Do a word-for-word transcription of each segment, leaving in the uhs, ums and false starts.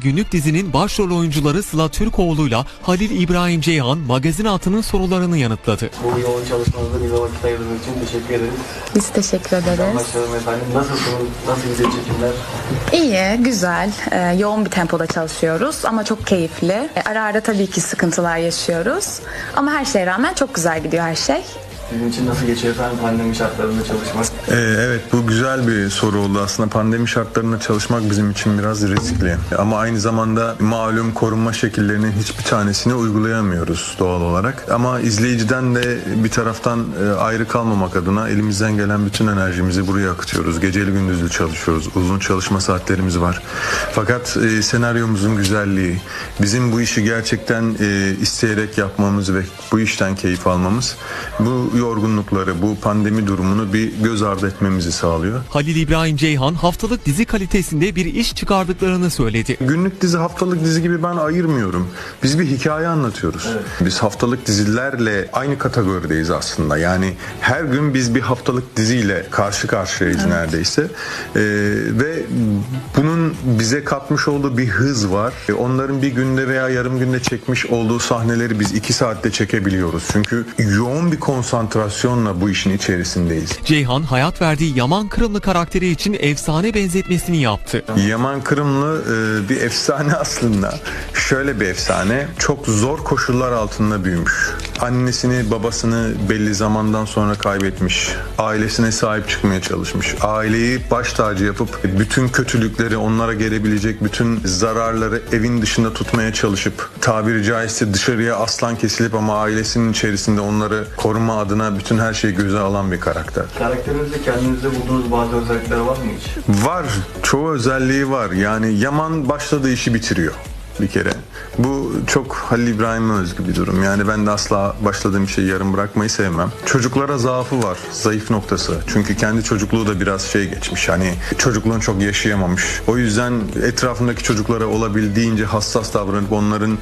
Günlük dizinin başrol oyuncuları Sıla Türkoğlu'yla Halil İbrahim Ceyhan magazin altının sorularını yanıtladı. Bu yoğun çalışmanızda bize vakit ayırdığınız için teşekkür ederiz. Biz teşekkür ederiz. Başlayalım efendim. Nasılsınız? Nasıl gidiyor çekimler? İyi, güzel. Ee, yoğun bir tempoda çalışıyoruz ama çok keyifli. Ee, ara ara tabii ki sıkıntılar yaşıyoruz. Ama her şeye rağmen çok güzel gidiyor her şey. Sizin için nasıl geçiyor efendim pandemi şartlarında çalışmak? Ee, evet, bu güzel bir soru oldu. Aslında pandemi şartlarında çalışmak bizim için biraz riskli. Ama aynı zamanda malum korunma şekillerinin hiçbir tanesini uygulayamıyoruz doğal olarak. Ama izleyiciden de bir taraftan ayrı kalmamak adına elimizden gelen bütün enerjimizi buraya akıtıyoruz. Geceli gündüzlü çalışıyoruz. Uzun çalışma saatlerimiz var. Fakat e, senaryomuzun güzelliği, bizim bu işi gerçekten e, isteyerek yapmamız ve bu işten keyif almamız, bu yorgunlukları, bu pandemi durumunu bir göz ardı etmemizi sağlıyor. Halil İbrahim Ceyhan haftalık dizi kalitesinde bir iş çıkardıklarını söyledi. Günlük dizi, haftalık dizi gibi ben ayırmıyorum. Biz bir hikaye anlatıyoruz. Evet. Biz haftalık dizilerle aynı kategorideyiz aslında. Yani her gün biz bir haftalık diziyle karşı karşıyayız, evet, neredeyse. Ee, ve bunun bize katmış olduğu bir hız var. Onların bir günde veya yarım günde çekmiş olduğu sahneleri biz iki saatte çekebiliyoruz. Çünkü yoğun bir konsantrasyon konsantrasyonla bu işin içerisindeyiz. Ceyhan hayat verdiği Yaman Kırımlı karakteri için efsane benzetmesini yaptı. Yaman Kırımlı e, bir efsane aslında. Şöyle bir efsane. Çok zor koşullar altında büyümüş. Annesini, babasını belli zamandan sonra kaybetmiş. Ailesine sahip çıkmaya çalışmış. Aileyi baş tacı yapıp bütün kötülükleri, onlara gelebilecek bütün zararları evin dışında tutmaya çalışıp tabiri caizse dışarıya aslan kesilip ama ailesinin içerisinde onları koruma adına bütün her şeyi göze alan bir karakter. Karakterinizde kendinizde bulduğunuz bazı özellikler var mı hiç? Var. Çoğu özelliği var. Yani Yaman başladığı işi bitiriyor bir kere. Bu çok Halil İbrahim'e özgü bir durum. Yani ben de asla başladığım şeyi yarım bırakmayı sevmem. Çocuklara zaafı var. Zayıf noktası. Çünkü kendi çocukluğu da biraz şey geçmiş. Hani çocukluğunu çok yaşayamamış. O yüzden etrafındaki çocuklara olabildiğince hassas davranıp onların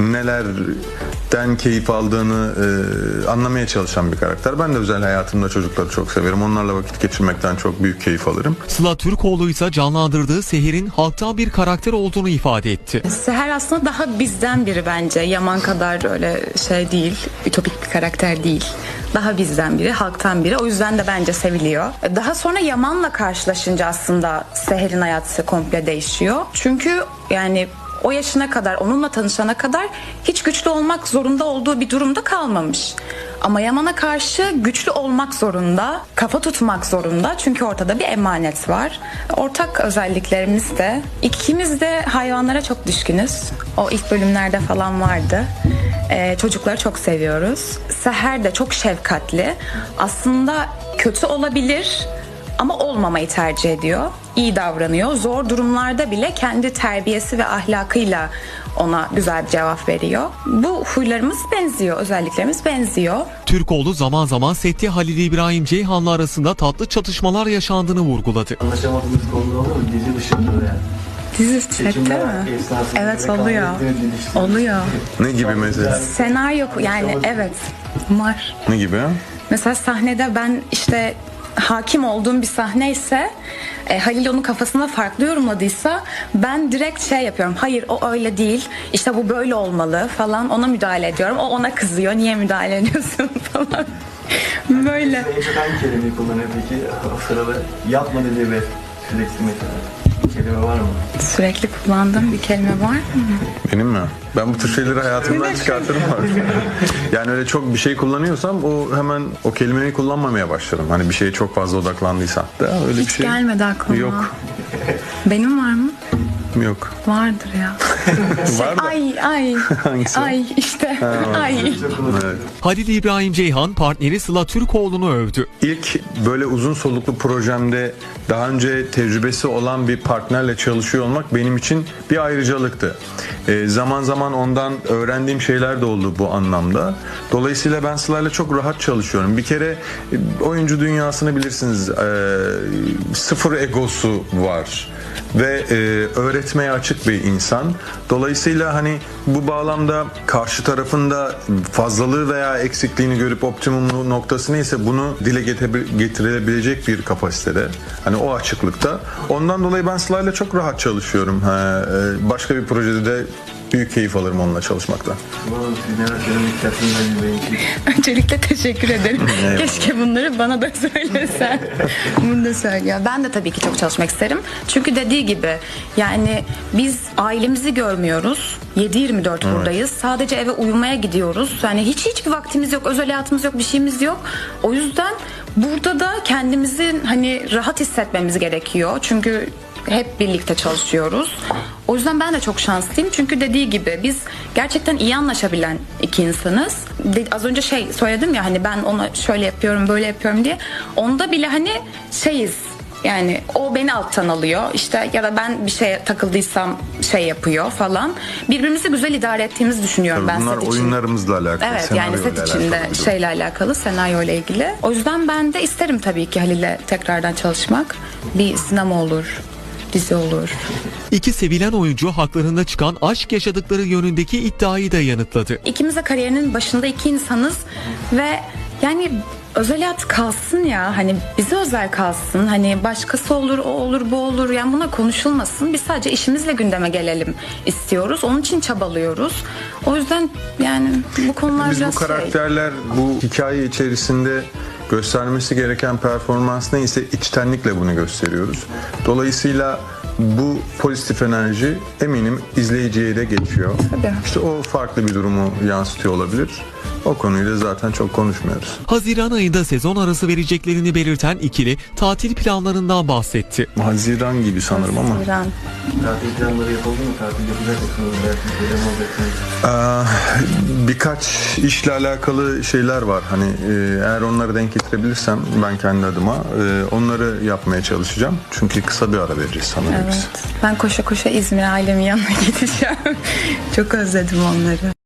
nelerden keyif aldığını e, anlamaya çalışan bir karakter. Ben de özel hayatımda çocukları çok severim. Onlarla vakit geçirmekten çok büyük keyif alırım. Sıla Türkoğlu ise canlandırdığı Seher'in halktan bir karakter olduğunu ifade etti. Seher aslında daha bizden biri bence. Yaman kadar öyle şey değil, ütopik bir karakter değil. Daha bizden biri, halktan biri. O yüzden de bence seviliyor. Daha sonra Yaman'la karşılaşınca aslında Seher'in hayatı komple değişiyor. Çünkü yani o yaşına kadar, onunla tanışana kadar hiç güçlü olmak zorunda olduğu bir durumda kalmamış. Ama Yaman'a karşı güçlü olmak zorunda, kafa tutmak zorunda. Çünkü ortada bir emanet var. Ortak özelliklerimiz de, ikimiz de hayvanlara çok düşkünüz. O ilk bölümlerde falan vardı. Ee, çocukları çok seviyoruz. Seher de çok şefkatli. Aslında kötü olabilir ama olmamayı tercih ediyor. İyi davranıyor. Zor durumlarda bile kendi terbiyesi ve ahlakıyla ona güzel bir cevap veriyor. Bu huylarımız benziyor, özelliklerimiz benziyor. Türkoğlu zaman zaman sette Halil İbrahim Ceyhan'la arasında tatlı çatışmalar yaşandığını vurguladı. Anlaşamadığınız konuda oluyor mu? Dizi dışında yani. Dizi sette mi? Evet, oluyor. Oluyor. Ne gibi mesela? Senaryo yani evet var. Ne gibi? Mesela sahnede ben işte hakim olduğum bir sahne ise e, Halil onun kafasında farklı yorumladıysa ben direkt şey yapıyorum. Hayır, o öyle değil. İşte bu böyle olmalı falan. Ona müdahale ediyorum. O ona kızıyor. Niye müdahale ediyorsun falan. Böyle. En çok hangi kelimeyi kullanıyor peki o sırada? Yapma dediği ve sürekli mesela. Kelime var mı? Sürekli kullandığım bir kelime var mı? Benim mi? Ben bu tür şeyleri hayatımdan çıkartırım artık. Yani öyle çok bir şey kullanıyorsam o hemen o kelimeyi kullanmamaya başlarım. Hani bir şeye çok fazla odaklandıysam da öyle Hiç bir şey. gelmedi aklıma. Yok. Benim var mı? Yok. Vardır ya. Şey, Var da. ay ay. Hangisi? Ay işte. Ay. Evet. Halil İbrahim Ceyhan partneri Sıla Türkoğlu'nu övdü. İlk böyle uzun soluklu projemde daha önce tecrübesi olan bir partnerle çalışıyor olmak benim için bir ayrıcalıktı. E, zaman zaman ondan öğrendiğim şeyler de oldu bu anlamda. Dolayısıyla ben Sıla'yla çok rahat çalışıyorum. Bir kere e, oyuncu dünyasını bilirsiniz. E, sıfır egosu var. ve e, öğretmeye açık bir insan. Dolayısıyla hani bu bağlamda karşı tarafında fazlalığı veya eksikliğini görüp optimum noktası neyse bunu dile getirebilecek bir kapasitede. Hani o açıklıkta. Ondan dolayı ben Sıla'yla çok rahat çalışıyorum. Ha, e, başka bir projede de büyük keyif alırım onunla çalışmaktan. Umarım siz neler söylemek istersiniz Halil Bey için. Öncelikle teşekkür ederim. Keşke bunları bana da söylesen. Bunu da söyle. Ya ben de tabii ki çok çalışmak isterim. Çünkü dediği gibi yani biz ailemizi görmüyoruz. yedi yirmi dört Evet. buradayız. Sadece eve uyumaya gidiyoruz. Yani hiç hiçbir vaktimiz yok, özel hayatımız yok, bir şeyimiz yok. O yüzden burada da kendimizi hani rahat hissetmemiz gerekiyor. Çünkü hep birlikte çalışıyoruz. O yüzden ben de çok şanslıyım. Çünkü dediği gibi biz gerçekten iyi anlaşabilen iki insanız. De, az önce şey söyledim ya hani ben ona şöyle yapıyorum, böyle yapıyorum diye. Onda bile hani şeyiz. Yani o beni alttan alıyor işte ya da ben bir şeye takıldıysam şey yapıyor falan. Birbirimizi güzel idare ettiğimizi düşünüyorum Tabii ben bunlar set için. oyunlarımızla alakalı. Evet yani senaryoyla set içinde alakalı bir durum. şeyle alakalı, senaryo ile ilgili. O yüzden ben de isterim tabii ki Halil'le tekrardan çalışmak. Bir sinema olur, dizi olur. İki sevilen oyuncu haklarında çıkan aşk yaşadıkları yönündeki iddiayı da yanıtladı. İkimiz de kariyerinin başında iki insanız ve yani özel hayat kalsın ya, hani bize özel kalsın, hani başkası olur, o olur, bu olur, yani buna konuşulmasın. Biz sadece işimizle gündeme gelelim istiyoruz, onun için çabalıyoruz. O yüzden yani bu konular Biz biraz bu şey. karakterler bu hikaye içerisinde göstermesi gereken performans neyse içtenlikle bunu gösteriyoruz. Dolayısıyla bu pozitif enerji eminim izleyiciye de geçiyor. Tabii. İşte o farklı bir durumu yansıtıyor olabilir. O konuyu da zaten çok konuşmuyoruz. Haziran ayında sezon arası vereceklerini belirten ikili tatil planlarından bahsetti. Haziran gibi sanırım ama. Haziran. Tatil planları yapıldı mı? Tatil yapacak mısınız? Belki böyle mi olacaksınız? Ee, birkaç işle alakalı şeyler var. Hani e, eğer onları denk getirebilirsem ben kendi adıma e, onları yapmaya çalışacağım. Çünkü kısa bir ara vereceğiz sanırım biz. Evet. Ben koşa koşa İzmir ailemin yanına gideceğim. Çok özledim onları.